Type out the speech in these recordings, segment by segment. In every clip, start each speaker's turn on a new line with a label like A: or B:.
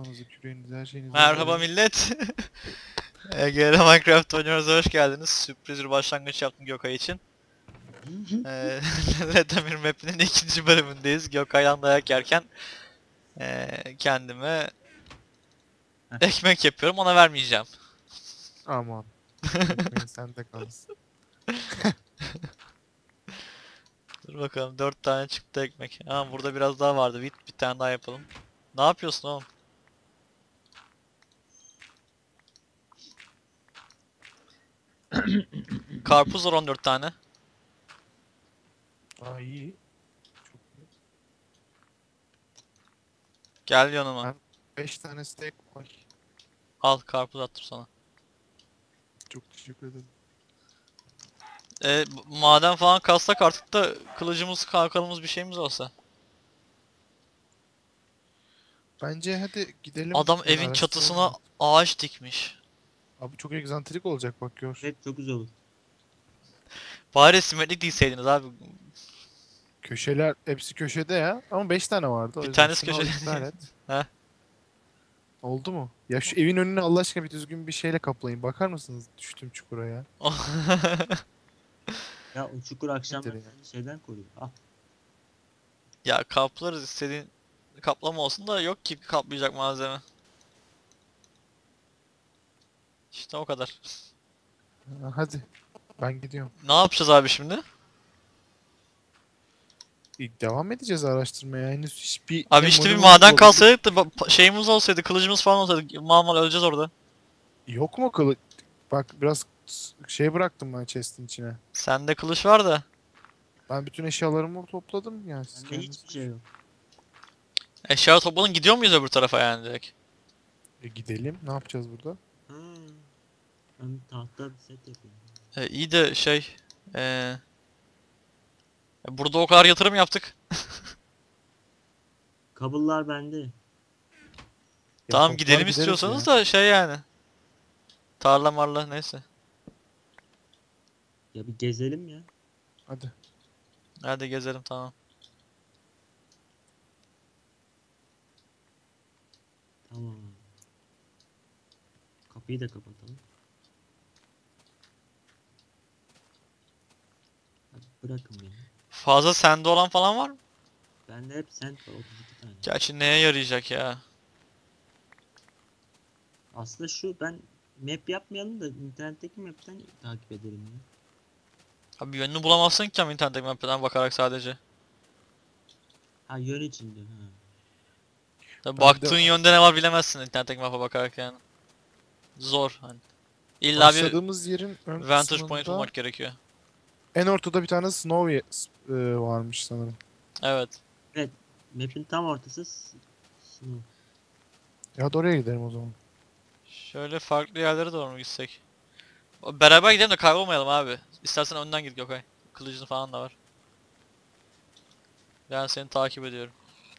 A: Küreğiniz, her şeyiniz hazır
B: Merhaba
A: mı?
B: millet. EGR Minecraft oynuyoruz, hoş geldiniz. Sürpriz bir başlangıç yaptım Gökay için. Lethamir Map'inin ikinci bölümündeyiz. Gökay'dan dayak yerken kendime
C: Heh.
B: ekmek yapıyorum, ona vermeyeceğim.
A: Aman. Ekmeğin sende kalsın.
B: Dur bakalım, 4 tane çıktı ekmek. Ama burada biraz daha vardı. Bir tane daha yapalım. Ne yapıyorsun oğlum? Karpuz var 14 tane.
A: Aa, iyi. Çok iyi.
B: Gel yanıma.
A: Ben 5 tane steak var.
B: Al, karpuz attım sana.
A: Çok teşekkür ederim.
B: Maden falan kazsak artık da kılıcımız, kalkanımız, bir şeyimiz olsa.
A: Bence hadi gidelim.
B: Adam
A: Yani
B: evin
A: araştıralım
B: çatısına
A: artık.
B: ağaç dikmiş.
A: Abi çok egzantrik olacak bak gör.
C: Evet, çok güzel olur.
B: Bari simetrik değilseydiniz abi.
A: Köşeler hepsi köşede ya. Ama 5 tane vardı. O
B: Bir
A: yüzden
B: tanesi
A: şunu
B: köşede.
A: iptal et.
B: Heh.
A: Oldu mu? Ya şu evin önüne Allah aşkına bir düzgün bir şeyle kaplayın. Bakar mısınız düştüm çukura ya?
C: Ya o çukur akşamları
A: Nedir ya?
C: seni şeyden koruyor. Ah,
B: Ya kaplarız, istediğin kaplama olsun da yok ki kaplayacak malzeme. İşte o kadar.
A: Ha, hadi. Ben gidiyorum.
B: Ne yapacağız abi şimdi?
A: Devam edeceğiz araştırmaya. Henüz hiçbir
B: Abi
A: ne
B: işte bir
A: monument
B: maden
A: bulabilir.
B: kalsaydık da şeyimiz olsaydı, kılıcımız falan olsaydı mal mal öleceğiz orada.
A: Yok mu kılıç? Bak biraz şey bıraktım ben chest'in içine.
B: Sende kılıç var da.
A: Ben bütün eşyalarımı topladım yani siz
C: bende
A: kendiniz.
C: hiçbir şey yok.
B: Eşya topladın, gidiyor muyuz öbür tarafa yani direkt?
A: Gidelim. Ne yapacağız burada?
C: Ha, ben tahta bir set yapayım.
B: İyi de şey... E, burada o kadar yatırım yaptık.
C: Kabullar bende.
A: Ya
B: Tamam,
A: toplar
B: gidelim
A: gideriz
B: istiyorsanız
A: ya.
B: da şey yani. Tarla marla neyse.
C: Ya bir gezelim ya.
A: Hadi.
B: Hadi gezelim, tamam.
C: Tamam. Kapıyı da kapatalım. Hadi bırakın beni.
B: Fazla sende olan falan var mı?
C: Bende hep sent var, 32 tane.
B: Gerçi neye yarayacak ya?
C: Aslında şu ben map yapmayalım da internetteki map'ten takip edelim ya.
B: Abi yönünü bulamazsın ki ama internetteki map'ten bakarak sadece.
C: Ha, yön içinde ha.
B: Tabii
A: Ben de
B: baktığın yönde ne var bilemezsin internetteki map'a bakarak yani. Zor hani. İlla bir
A: başladığımız yerin ön
B: vantage point
A: kısmında
B: bulmak gerekiyor.
A: en ortada bir tane varmış sanırım.
B: Evet.
C: Evet, map'in tam ortası snow.
A: Ya hadi oraya gidelim o zaman.
B: Şöyle farklı yerlere doğru mu gitsek? Beraber gidelim de kaybolmayalım abi. İstersen önden git Gökay. Kılıcın falan da var. Ben seni takip ediyorum.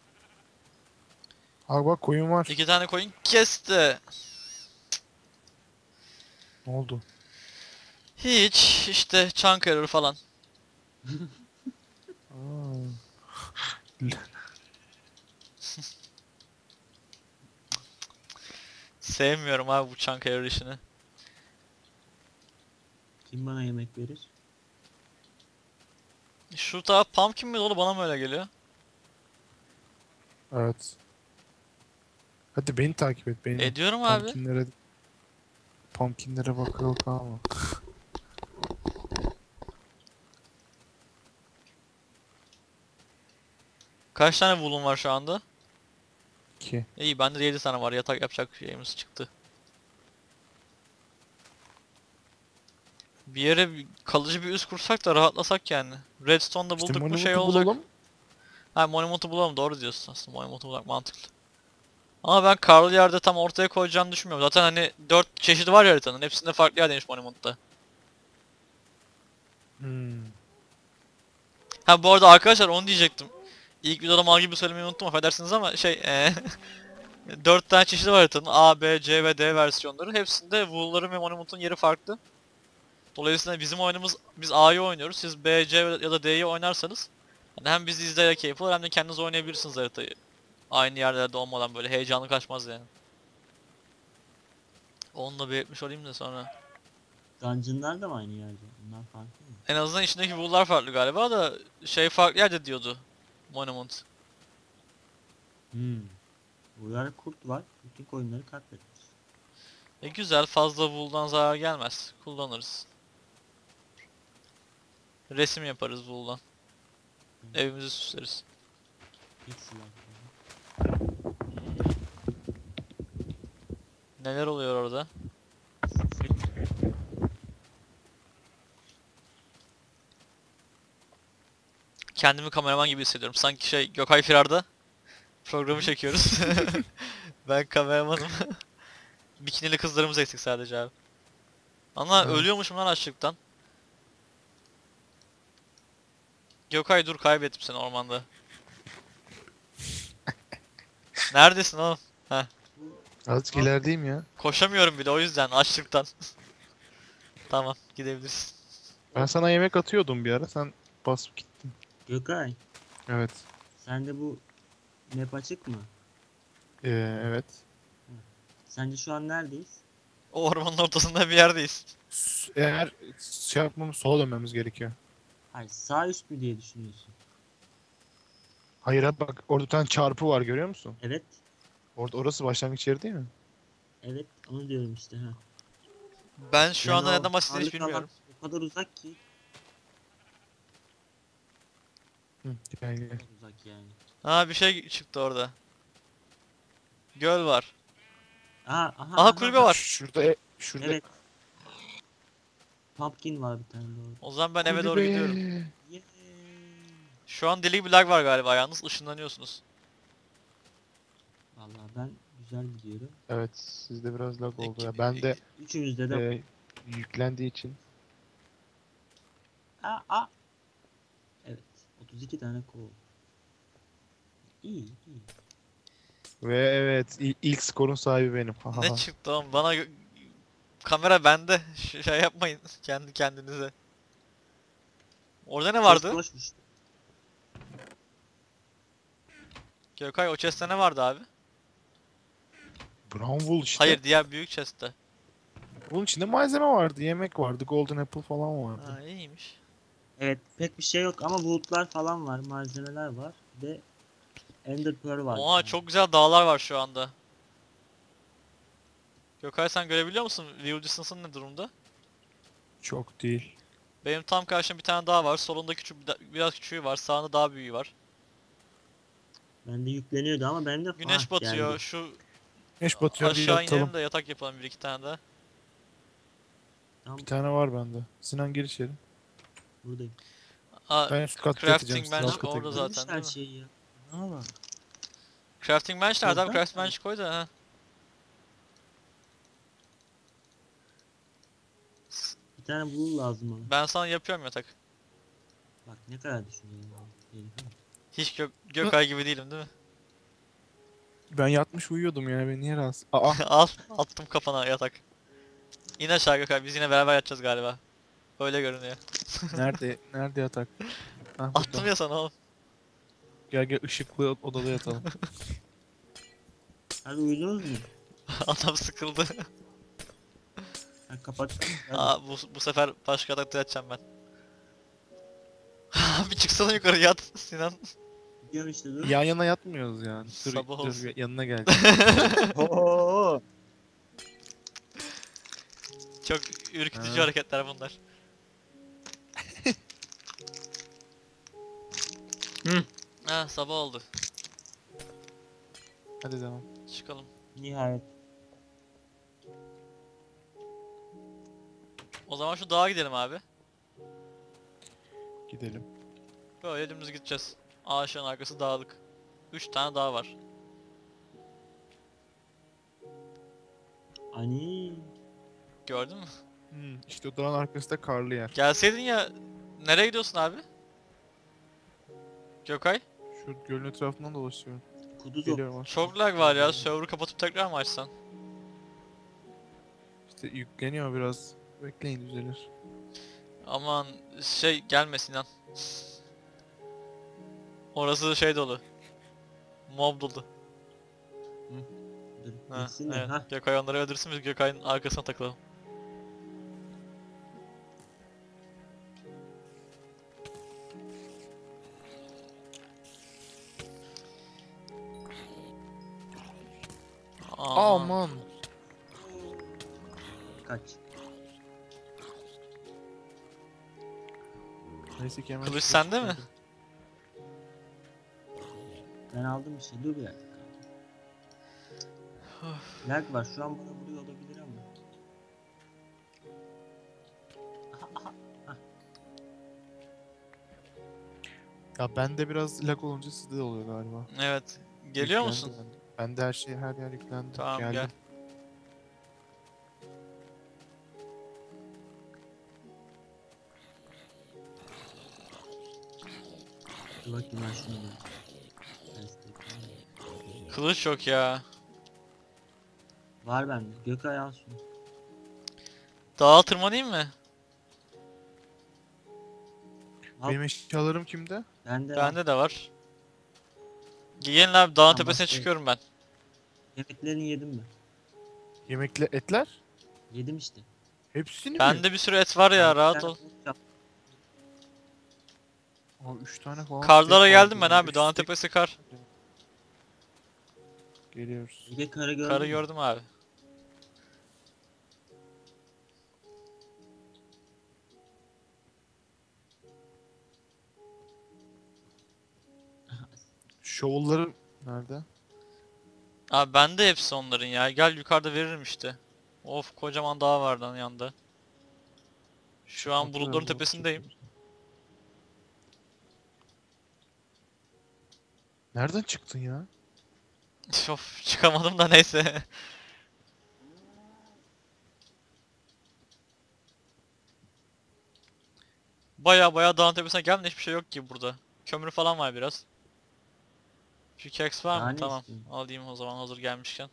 A: Abi bak koyun var.
B: 2 tane koyun kesti.
A: Ne oldu?
B: Hiç işte chunk error falan.
A: Aa.
B: Sevmiyorum abi bu chunk error işini.
C: Kim bana yemek verir?
B: Şu taraf pumpkin mi dolu, bana mı öyle geliyor?
A: Evet. Hadi beni takip et beni.
B: Ediyorum abi.
A: Pumpkinlere bakıyor ama.
B: Kaç tane wool'un var şu anda?
A: 2.
B: İyi, bende de 7 tane var, yatak yapacak şeyimiz çıktı. Bir yere kalıcı bir üs kursak da rahatlasak yani. Redstone'da
A: İşte
B: bulduk mu şey
A: Monument'u
B: olacak.
A: bulalım.
B: Ha, Monument'u bulalım, doğru diyorsun aslında, Monument'u bulmak mantıklı. Ama ben karlı yerde tam ortaya koyacağını düşünmüyorum. Zaten hani 4 çeşidi var ya haritanın, hepsinde farklı yer demiş Monument'ta.
A: Hmm.
B: Ha bu arada arkadaşlar, onu diyecektim. İlk videoda mal gibi söylemeyi unuttum, affedersiniz ama şey 4 tane çeşidi var haritanın, A, B, C ve D versiyonları. Hepsinde Wool'ların ve Monument'un yeri farklı. Dolayısıyla bizim oyunumuz, biz A'yı oynuyoruz. Siz B, C ya da D'yi oynarsanız hani hem bizi izleyerek keyif alır hem de kendiniz oynayabilirsiniz haritayı. Aynı yerlerde olmadan böyle heyecanlı kaçmaz yani. Onu da belirtmiş olayım da sonra.
C: Dungeon'lar da mı aynı yerde? Bunlar farklı mı?
B: En azından içindeki wool'lar farklı galiba da şey farklı yerde diyordu. Monument.
C: Burada kurt var. Bütün koyunları katletmiş.
B: Güzel, fazla wool'dan zarar gelmez. Kullanırız. Resim yaparız wool'dan. Evimizi süsleriz.
C: Hiç silah.
B: Neler oluyor orada? Kendimi kameraman gibi hissediyorum. Sanki şey Gökay Firar'da programı çekiyoruz. Ben kameramanım. Bikinili kızlarımız eksik sadece abi. Ama
A: Evet.
B: ölüyormuşum lan açlıktan. Gökay dur, kaybettim seni ormanda. Neredesin oğlum? Heh.
A: Azıcık ilerideyim ya.
B: Koşamıyorum bile o yüzden açlıktan. Tamam, gidebiliriz.
A: Ben sana yemek atıyordum bir ara. Sen basıp gittin.
C: Gökay,
A: Evet.
C: sende bu map açık mı?
A: Evet.
C: Sence şu an neredeyiz?
B: O ormanın ortasında bir yerdeyiz.
A: Eğer şey yapmamız sola dönmemiz gerekiyor.
C: Hayır, sağ üst mü diye düşünüyorsun?
A: Hayır abi bak orada bir tane çarpı var görüyor musun?
C: Evet,
A: Orası başlangıç yeri değil mi?
C: evet onu diyorum işte ha.
B: Ben şu
C: Yani
B: anda
C: o
B: neden bahsettiğini hiç
C: ağırlık alan
B: bilmiyorum.
C: O kadar uzak ki.
A: Hı, gel gel.
C: Çok uzak yani.
B: Ha, bir şey çıktı orada. Göl var.
C: Aha,
B: Kulübe var.
A: Şurada
C: Evet. Pumpkin var bir tane de orada.
B: O zaman ben eve doğru
A: kulübe.
B: gidiyorum.
C: Yeee.
B: Şu an deli bir lag var galiba, yalnız ışınlanıyorsunuz.
C: Vallahi ben güzel gidiyorum.
A: Evet sizde biraz lag oldu ya.
B: İki-
A: Ben de
C: Üçümüzde de
A: yüklendiği için.
C: aa. Evet. 32 tane kol. İyi, iyi.
A: Ve evet ilk skorun sahibi benim. Ha, ha,
B: Ne
A: ha.
B: çıktı oğlum? Bana kamera bende. Şey yapmayın kendi kendinize. Orada ne vardı?
C: Chest boşmuş.
B: Gökay, o chest'te ne vardı abi?
A: Brown wool işte.
B: Hayır, diğer büyük chest'te.
A: Bunun içinde malzeme vardı. Yemek vardı. Golden apple falan vardı.
B: Ha, iyiymiş.
C: Evet, pek bir şey yok ama woodlar falan var, malzemeler var. Ve Ender Pearl var.
B: Oha, çok güzel dağlar var şu anda. Gökay, sen görebiliyor musun? View distance'ın ne durumda?
A: Çok değil.
B: Benim tam karşımda bir tane dağ var. Solunda küçük biraz küçüğü var. Sağında daha büyüğü var.
C: Bende yükleniyordu ama bende
B: Güneş batıyor.
C: geldi.
B: Şu
A: Güneş batıyor diye
B: aşağı
A: atalım.
B: inelim de yatak yapalım bir iki tane daha.
C: Tam
A: Bir tane var bende. Sinan gir içeri.
C: buradayım.
B: Aa,
A: Ben üst katta
B: crafting
A: yatacağım. Siz alt
B: bench
A: kata
B: orada
A: gidin.
B: zaten,
C: Zaten
B: değil
C: her
B: mi?
C: şeyi ya. Ne var?
B: Crafting bench nerede abi?
C: Oradan
B: Crafting
C: mı?
B: bench koy da ha.
C: Bir tane wool lazım bana.
B: Ben sana yapıyorum yatak.
C: Bak ne kadar düşünüyorum. Herifim.
B: Hiç Gökay gibi değilim değil mi?
A: Ben yatmış uyuyordum yani. Beni niye rahatsız? Aa.
B: Al, attım kafana yatak. İn aşağı Gökay, biz yine beraber yatacağız galiba. Öyle görünüyor.
A: Nerede yatak? Ha,
B: Attım
A: burada.
B: ya sana oğlum.
A: Gel gel ışıklı odada yatalım.
C: Hadi uyudunuz mu?
B: Adam sıkıldı.
C: Ha, kapat. Hadi.
B: Aa, bu sefer başka yatakta yatacağım ben. Bir çıksana yukarı, yat Sinan.
C: Gidiyorum işte dur.
A: Yan yana yatmıyoruz yani. Dur,
B: Sabah
A: dur
B: olsun.
A: yanına gel.
C: Oo.
B: Çok ürkütücü
A: Ha.
B: hareketler bunlar.
C: Hı.
B: Ha, sabah oldu.
A: Hadi devam.
B: Çıkalım.
C: Nihayet.
B: O zaman şu dağa gidelim abi.
A: Gidelim.
B: Böyle dümdüz gideceğiz. Ağaçların arkası dağlık. 3 tane dağ var.
C: Ani.
B: Gördün mü?
A: İşte o dağın arkasında karlı yer.
B: Gelseydin ya. Nereye gidiyorsun abi? Gökay?
A: Şu gölün etrafından dolaşıyorum.
C: Kuduz
A: Geliyorum aslında.
B: Çok lag var ya. Server'ı kapatıp tekrar mı açsan?
A: İşte yükleniyor biraz. Bekleyin düzelir.
B: Aman şey gelmesin lan. Orası şey dolu. Mob dolu.
C: Dur.
B: Ha,
C: Gitsin de.
B: evet.
C: Hah.
B: Gökay onları öldürsün, biz Gökay'ın arkasına takılalım. Aman.
A: Aman.
C: Kaç.
A: Neyse ki hemen
B: Kılıç
A: şuraya
B: sende mi?
A: çıkardım.
C: Ben aldım bir şey. Dur bir dakika. Lag var. Şu an bana vuruyor olabilir ama.
A: Ya bende biraz lag olunca sizde de oluyor galiba.
B: Evet. Geliyor
A: Yüklendi
B: musun?
A: bende. Bende her şey, her yer yüklendi.
B: Tamam,
A: Geldim.
B: gel.
C: Dur bakayım ben şunu bir test edeyim.
B: Kılıç yok ya.
C: Var bende. Gökay al şunu.
B: Dağa tırmanayım mı?
C: Al.
A: Benim eşyalarım kimde?
C: Bende al.
B: Bende de var. Gelin abi, dağın
C: Tamam,
B: tepesine
C: şey-
B: çıkıyorum ben.
C: Yemeklerini yedim mi?
A: Yemekle etler?
C: Yedim işte.
A: Hepsini mi?
B: Bende bir sürü et var ya,
C: Ben bir
B: rahat
C: tane
B: ol.
C: tavuk yaptım.
A: Abi 3 tane falan.
B: Karlara
A: steak
B: geldim ben
A: vardı.
B: abi,
A: Üç
B: dağın
A: steak-
B: tepesi kar.
A: Geliyoruz.
C: Bir de karı gördün
B: Karı
C: mü?
B: gördüm abi.
A: Şovulları nerede?
B: Abi bende hepsi onların ya. Gel yukarıda veririm işte. Of, kocaman dağ var lan yanında. Şu an bulutların
A: Atıyorum,
B: tepesindeyim.
A: Nereden çıktın ya?
B: Of, çıkamadım da neyse. Baya dağın tepesine geldim de hiçbir şey yok ki burada. Kömür falan var biraz. Pickaxe var
C: Daha
B: mı?
C: ne
B: Tamam.
C: istiyorsun?
B: Alayım o zaman hazır gelmişken.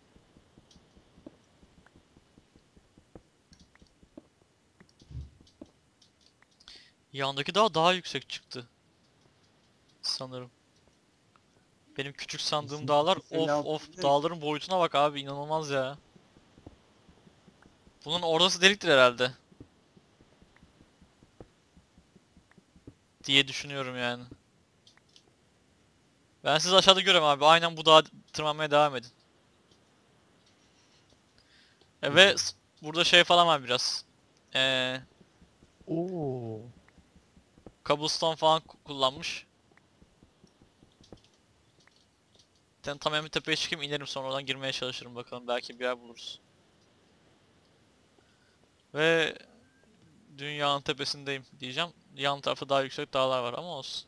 B: Yandaki dağ daha yüksek çıktı. Sanırım. Benim küçük sandığım
C: Kesinlikle
B: dağlar, of
C: 56
B: of,
C: değil.
B: dağların boyutuna bak abi, inanılmaz ya. Bunun orası deliktir herhalde. Diye düşünüyorum yani. Ben sizi aşağıda görüyorum abi. Aynen bu dağa tırmanmaya devam edin. Ve burada şey falan var biraz. Ee,
A: Oo.
B: Cobblestone falan kullanmış. Tam en bir tepeye çıkayım, inerim, sonra oradan girmeye çalışırım, bakalım belki bir yer buluruz. Ve dünyanın tepesindeyim diyeceğim. Yan tarafta daha yüksek dağlar var ama olsun.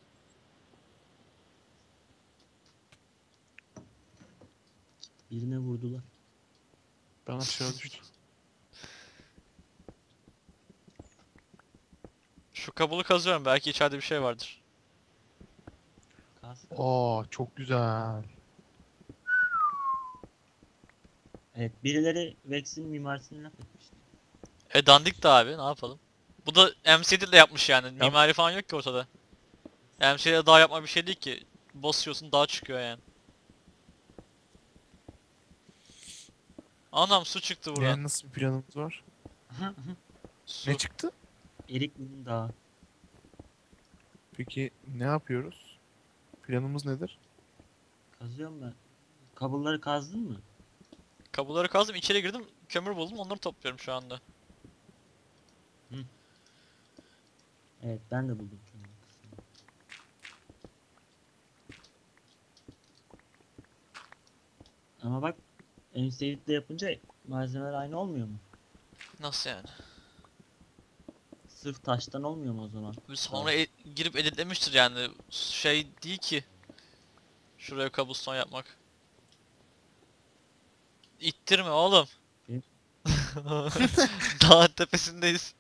C: Birine vurdular.
A: Ben aşağı düştüm.
B: Şu kabulu kazıyorum, belki içeride bir şey vardır.
C: Kas.
A: Aa çok güzel.
C: Evet, birileri Vex'in mimarisini laf etmişti.
B: Dandik de abi, ne yapalım. Bu da MCD ile yapmış yani. Mimari falan yok ki ortada. MCD'de dağ yapma bir şey değil ki. Basıyorsun, dağ çıkıyor yani. Anam, su çıktı buradan.
A: Yani nasıl bir planımız var?
B: Su.
A: Ne çıktı?
C: Erikli'nin dağı.
A: Peki ne yapıyoruz? Planımız nedir?
C: Kazıyorum ben. Kabulları kazdın mı?
B: Kabulları kazdım, içeri girdim, kömür buldum, onları topluyorum şu anda.
C: Evet, ben de buldum kömür kısmını. Ama bak, Enseid'le yapınca malzemeler aynı olmuyor mu?
B: Nasıl yani?
C: Sırf taştan olmuyor mu o zaman?
B: Sonra girip editlemiştir yani. Şey değil ki. Şuraya cobblestone yapmak. İttirme oğlum.
C: Benim-
B: Dağın tepesindeyiz.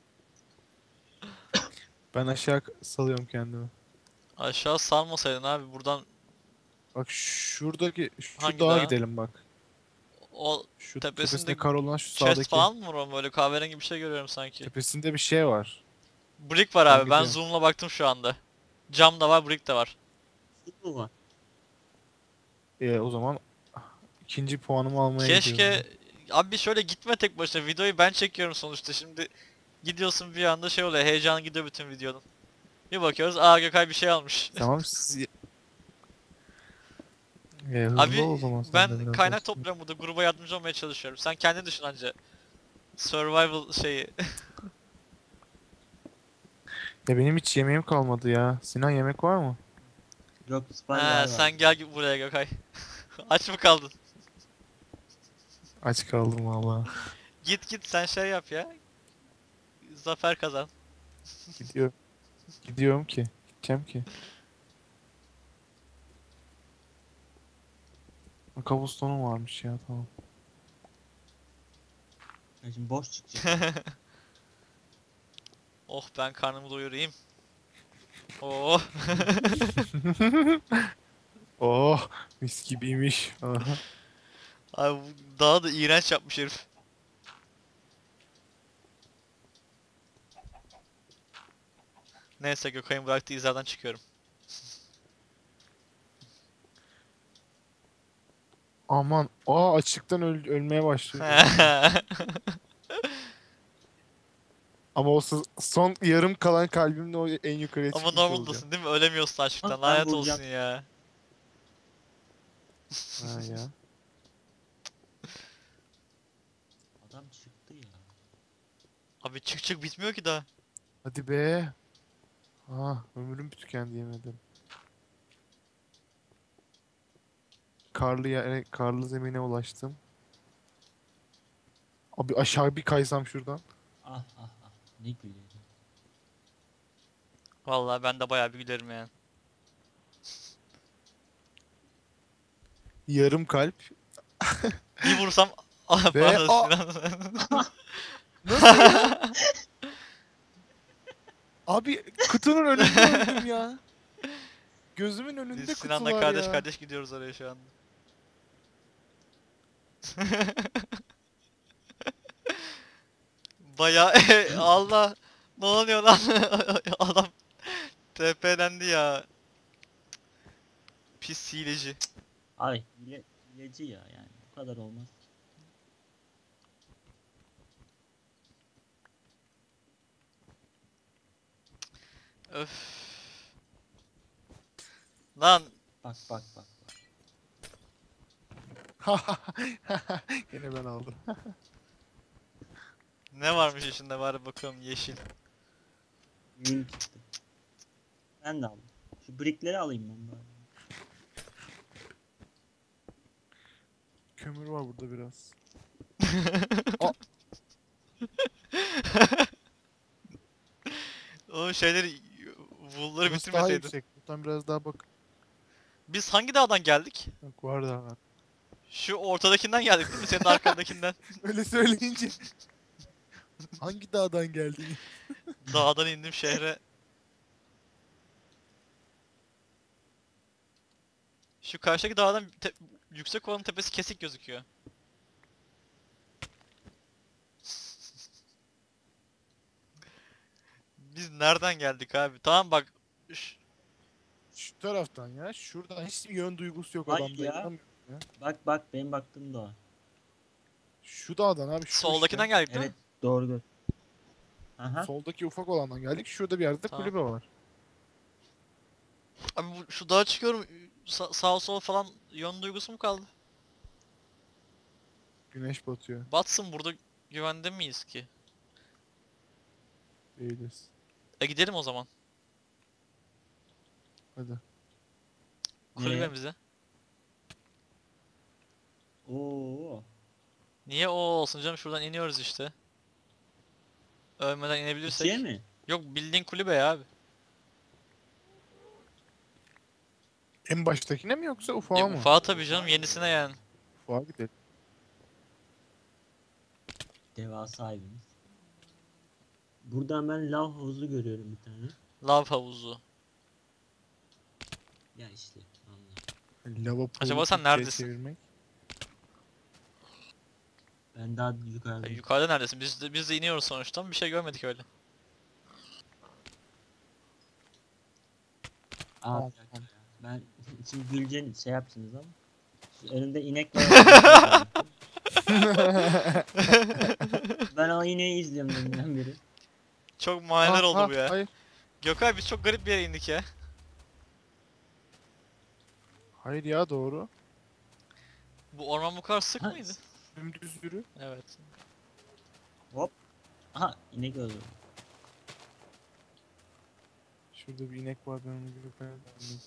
A: Ben aşağı salıyorum kendimi.
B: Aşağı salmasaydın abi, buradan
A: Bak şuradaki şu
B: Hangi
A: dağa
B: dağa?
A: gidelim bak.
B: o
A: Şu
B: tepesinde
A: tepesinde kar olan şu
B: chest
A: sağdaki.
B: falan mı var oğlum? Böyle kahverengi bir şey görüyorum sanki.
A: Tepesinde bir şey var.
B: Brick var
A: Ben
B: abi, ben
A: gidiyorum.
B: zoom'la baktım şu anda. Cam da var, brick de var.
C: Su mu var?
A: O zaman İkinci puanımı almaya gidiyorum.
B: Keşke abi şöyle gitme tek başına, videoyu ben çekiyorum sonuçta. Şimdi gidiyorsun bir anda şey oluyor, heyecan gidiyor bütün videonun. Bir bakıyoruz, aa Gökay bir şey almış.
A: Tamam siz... hızlı ol o
B: Abi
A: zaman sen de
B: ben
A: biraz
B: kaynak
A: dostum.
B: topluyorum burada, gruba yardımcı olmaya çalışıyorum. Sen kendin düşün anca. Survival şeyi.
A: Ya benim hiç yemeğim kalmadı ya. Sinan yemek var mı?
C: Yok spy
B: Ha,
C: var.
B: sen gel buraya Gökay. Aç mı kaldın?
A: Aç kaldım valla.
B: Git sen şey yap ya. Zafer kazan.
A: Gidiyorum. Gidiyorum ki. Gideceğim ki. Kabustonum varmış ya tamam.
C: Ya şimdi boş çıkacak.
B: Oh ben karnımı doyurayım. Oh.
A: Oh mis gibiymiş. Aha.
B: Abi daha da iğrenç yapmış herif. Neyse Gökay'ın bıraktığı izlerden çıkıyorum.
A: Aman. Aa açlıktan ölmeye başlıyor. Ama o son yarım kalan kalbimle o en yukarıya
B: Ama
A: çıkmış olacağım.
B: normaldasın değil mi? Ölemiyorsun açlıktan.
C: Bak, ben
B: Lanet
C: bulacağım.
B: olsun ya.
A: Ha ya.
C: Adam çıktı ya.
B: Abi çık bitmiyor ki daha.
A: Hadi be. Ah ömrüm tükendi yemedim. Karlı yere, karlı zemine ulaştım. Abi aşağı bir kaysam şuradan.
C: Ah ah ah. Ne gülüyor.
B: Vallahi ben de bayağı bir gülerim yani.
A: Yarım kalp.
B: Bir vursam ah
A: Ve
B: pardon
A: a
B: Sinan.
A: nasıl ya? Abi kutunun önünde öldüm ya. Gözümün önünde
B: Biz Sinan'la
A: kutular
B: kardeş
A: ya.
B: kardeş gidiyoruz oraya şu anda. Bayağı Allah ne oluyor lan? Adam TP'lendi ya. Pis hileci.
C: Ay hileci ya yani. Bu kadar olmaz ki.
B: Öf. Lan
C: Bak bak bak.
A: Yine ben aldım.
B: ne varmış içinde, bari bakalım yeşil.
C: Yün çıktı. Ben de aldım. Şu brickleri alayım ben bari.
A: Kömür var burada biraz.
B: O şeyleri wool'ları
A: Burası daha
B: bitirmeseydin.
A: yüksek. Buradan biraz daha bak.
B: Biz hangi dağdan geldik?
A: Bak var daha var.
B: Şu ortadakinden geldik değil mi? Senin arkandakinden.
A: Öyle söyleyince. Hangi dağdan geldin?
B: Dağdan indim şehre. Şu karşıdaki dağdan yüksek olanın tepesi kesik gözüküyor. Biz nereden geldik abi? Tamam bak.
A: Şu taraftan ya. Şuradan hiç yön duygusu yok
C: Hayır
A: adamda.
C: ya.
A: İnanmıyorum ya.
C: Bak bak benim baktığım da o.
A: Şu dağdan abi şu
B: Soldakinden
A: işte.
B: geldik değil
C: Evet
B: mi?
C: doğru. Aha.
A: Soldaki ufak olandan geldik. Şurada bir yerde
B: Tamam.
A: kulübe var.
B: Abi şu dağa çıkıyorum. Sağ sol falan yön duygusu mu kaldı?
A: Güneş batıyor.
B: Batsın, burada güvende miyiz ki?
A: Değiliz.
B: Gidelim o zaman.
A: Hadi.
B: Kulübemize.
C: Oo.
B: Niye o olsun canım, şuradan iniyoruz işte. Ölmeden inebilirsek.
C: İkiye mi?
B: Yok bildiğin kulübe ya abi.
A: En baştakine mi yoksa ufağa mı?
B: Ufağa tabii canım, yenisine yani.
A: Ufağa gidelim.
C: Devasa evimiz. Buradan ben lav havuzu görüyorum bir tane.
B: Lav havuzu.
C: Ya işte anla.
A: Lava
B: Acaba
A: pool'u
B: sen
A: Türkçe'ye
B: neredesin?
A: çevirmek.
C: Ben daha yukarıdayım.
B: Yukarıda neredesin? Biz de iniyoruz sonuçta, bir şey görmedik öyle.
C: Aa
A: Tamam,
C: bir dakika ya. Ben şimdi güleceğini şey yapsınız ama. Önünde inek var. Ben o ineği izliyorum deminden beri.
B: Çok maniler oldu bu ya.
A: Hayır.
B: Gökay biz çok garip bir yere indik ya.
A: Hayır ya doğru.
B: Bu orman bu kadar sık
C: Ha,
B: mıydı?
A: Dümdüz yürü.
B: Evet.
C: Hop. Aha inek öldü.
A: Şurada bir inek var ben onu bir bakayım.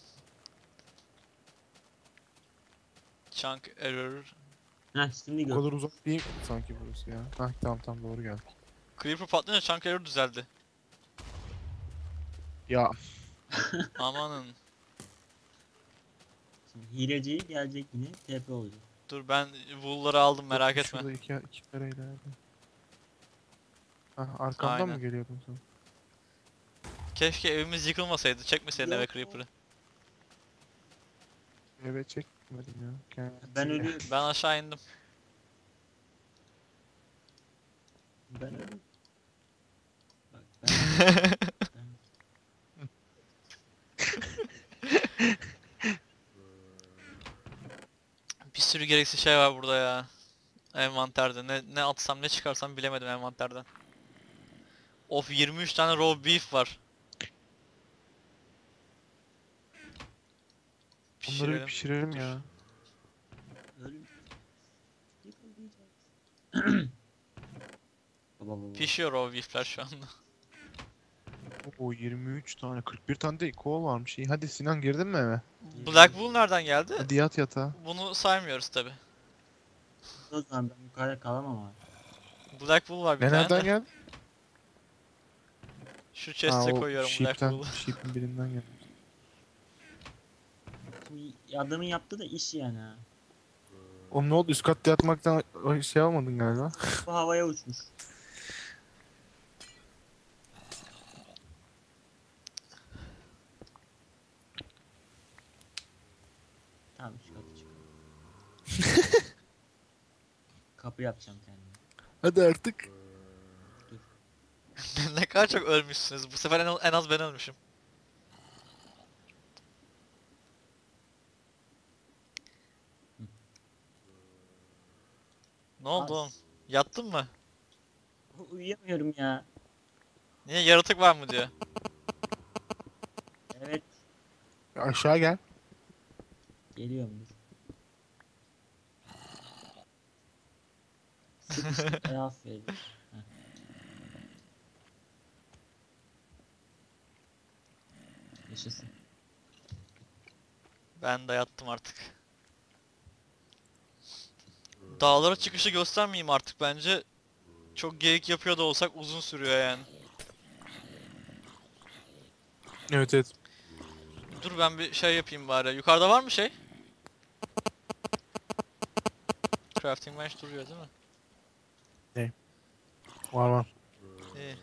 B: Chunk error.
C: Heh şimdi
A: O
C: gör.
A: kadar uzak değil sanki burası ya. Hah tamam doğru geldik.
B: Creeper patlayınca chunk error düzeldi.
A: Ya
B: Amanın.
C: Şimdi hileci gelecek yine TP olacak.
B: Dur ben wool'ları aldım merak etme.
A: şurada iki kare ileride. Hah arkamdan
B: Aynen.
A: mı geliyordun sen?
B: Keşke evimiz yıkılmasaydı. Çekmeseydin eve
C: Yok.
B: Creeper'ı.
A: Evet çekmedim ya.
C: Ben ölüyorum.
B: Ben aşağı indim.
C: Ben ölüyorum. Bak ben...
B: Bir sürü gereksiz şey var burada ya. Envanterde. Ne atsam ne çıkarsam bilemedim envanterden. Of 23 tane raw beef var.
A: Bunları bir
B: Pişirelim.
A: pişirelim
B: Dur.
A: ya.
C: Ölüm. Yıkılmayacağız. Baba.
B: Pişiyor raw beefler şu anda.
A: Oo 23 tane 41 tane de kol varmış. İyi hadi Sinan girdin mi eve?
B: Black Wool nereden geldi?
A: Hadi yat yatağa.
B: Bunu saymıyoruz tabi.
C: O zaman ben yukarıda kalamam abi.
B: Black Wool var bir
A: Ne
B: tane
A: nereden
B: de.
A: geldi?
B: Şu
A: Ha
B: chest'e
A: o
B: koyuyorum Black
A: sheep'ten,
B: Wool'u.
A: sheep'in birinden geldi.
C: Şimdi adamın yaptığı da iş yani ha.
A: Oğlum ne oldu üst katta yatmaktan şey almadın galiba.
C: Bu havaya uçmuş. Tamam şu katı çık. Kapı yapacağım kendime.
A: Hadi artık.
B: Ne kadar çok ölmüşsünüz. Bu sefer en az ben ölmüşüm. Ne oldu
C: Az.
B: oğlum? Yattın mı?
C: Uyuyamıyorum ya.
B: Niye yaratık var mı diyor.
C: Evet.
A: Aşağı gel.
C: Geliyorum dur. Sıkıştık. Aferin. Heh. Yaşasın.
B: Ben de yattım artık. Dağlara çıkışı göstermeyeyim artık bence. Çok geyik yapıyor da olsak uzun sürüyor yani.
A: Evet evet.
B: Dur ben bir şey yapayım bari. Yukarıda var mı şey? Crafting bench duruyor değil mi?
A: Var var.
B: İyi.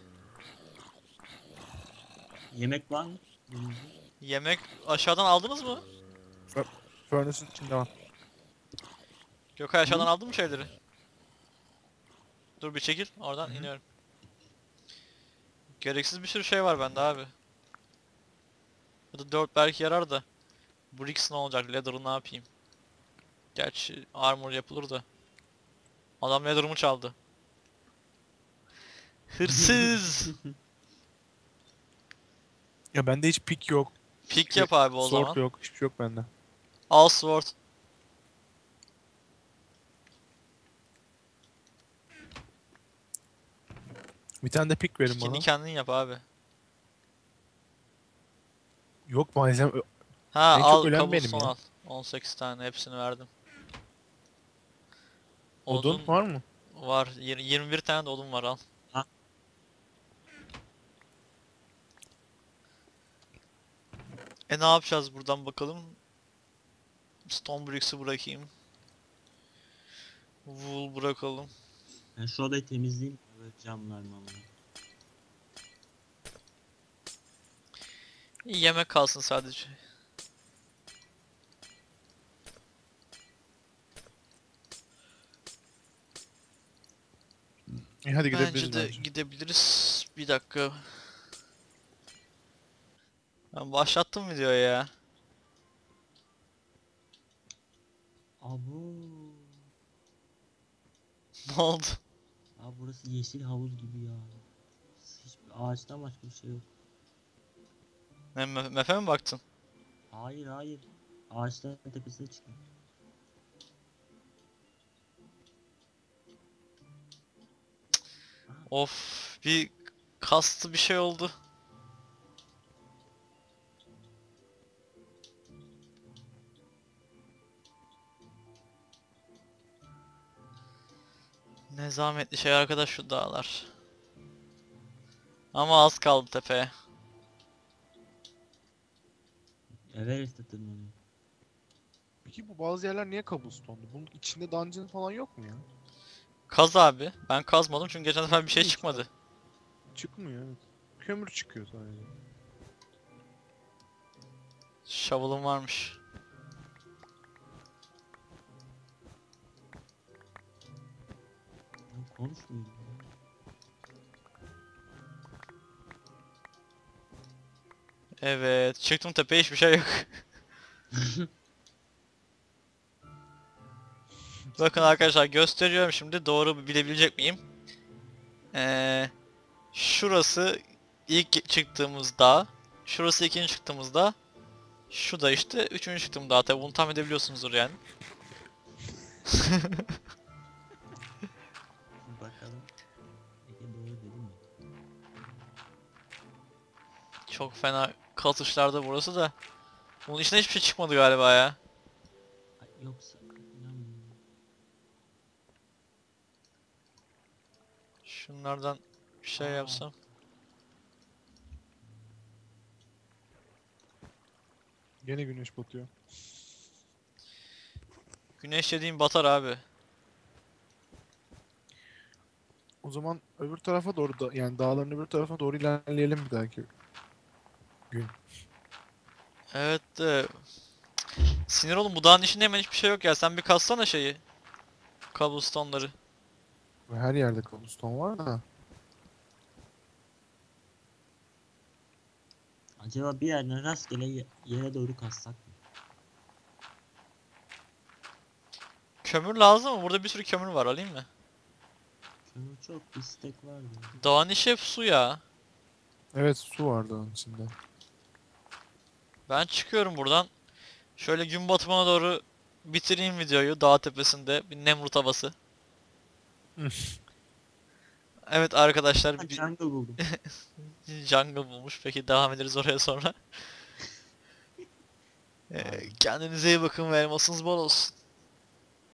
C: Yemek var mı?
B: Yemek aşağıdan aldınız mı?
A: Furnace'ın içinde var.
B: Gökay aşağıdan aldın mı şeyleri? Dur bir çekil. Oradan
A: Hı hı.
B: iniyorum. Gereksiz bir sürü şey var bende abi. Ya da 4 belki yarar da. Bricks ne olacak? Leather'ı ne yapayım? Gerçi armor yapılır da. Adam Leather'ımı çaldı. Hırsız!
A: Ya bende hiç pick yok.
B: Pick yap abi o
A: Sword
B: zaman.
A: yok. Hiçbir şey yok bende.
B: Al sword.
A: Bir tane de pick verin
B: Pick'ini
A: bana.
B: kendin yap abi.
A: Yok malzeme.
B: Ha
A: En çok
B: al
A: ölen benim
B: cobblestone
A: ya.
B: al. 18 tane hepsini verdim.
A: Odun var mı?
B: Var. 21 tane de odun var al.
C: Ha.
B: Ne yapacağız buradan bakalım. Stone bricks'i bırakayım. Wool bırakalım.
C: Ben şu odayı temizleyeyim. Böyle camlar mamlar.
B: Yemek kalsın sadece.
A: İyi hadi
B: Bence
A: gidebiliriz
B: de
A: bence.
B: gidebiliriz. Bir dakika. Ben başlattım videoyu ya.
C: Abo.
B: Ne oldu?
C: Abi burası yeşil havuz gibi ya. Hiçbir ağaçtan başka bir şey yok.
B: Mefe mi baktın?
C: Hayır hayır. Ağaçların tepesine çıktım.
B: Of, bir kastı bir şey oldu. Ne zahmetli şey arkadaş şu dağlar. Ama az kaldı tepeye.
C: Everest'e tırmanıyor.
A: Peki bu bazı yerler niye cobblestone'lu? Bunun içinde dungeon falan yok mu ya?
B: Kaz abi. Ben kazmadım çünkü geçen sefer bir şey
A: İşte.
B: çıkmadı.
A: Çıkmıyor evet. Kömür çıkıyor sadece.
B: Shovel'ım varmış.
C: Ya konuşmuyor.
B: Evet, çıktım tepeye hiçbir şey yok. Bakın arkadaşlar gösteriyorum şimdi doğru bilebilecek miyim? Şurası ilk çıktığımız dağ. Şurası ikinci çıktığımız dağ. Şu da işte üçüncü çıktığım dağ. Tabi bunu tahmin edebiliyorsunuzdur yani.
C: Bakalım. Peki doğru dedim mi?
B: Çok fena katışlarda burası da. Bunun içine hiçbir şey çıkmadı galiba ya.
C: Ay, yoksa inanmıyorum.
B: Şunlardan bir şey
C: Aa.
B: yapsam.
A: Gene güneş batıyor.
B: Güneş dediğim batar abi.
A: O zaman öbür tarafa doğru da yani dağların öbür tarafına doğru ilerleyelim bir dahaki gün.
B: Evet de sinir oğlum bu dağın içinde hemen hiçbir şey yok ya. Sen bir kassana şeyi. Cobblestone'ları.
A: Ve her yerde cobblestone var da.
C: Acaba bir yerden rastgele yere doğru kazsak mı?
B: Kömür lazım mı? Burada bir sürü kömür var alayım mı?
C: Kömür çok bir stek vardı.
B: Dağın içi hep su ya.
A: Evet su vardı onun içinde.
B: Ben çıkıyorum buradan. Şöyle gün batımına doğru bitireyim videoyu dağ tepesinde bir Nemrut havası. Evet arkadaşlar
C: Ha,
B: bir
C: jungle buldum.
B: jungle bulmuş. Peki devam ederiz oraya sonra.
C: Aynen.
B: Kendinize iyi bakın ve elmasınız bol olsun.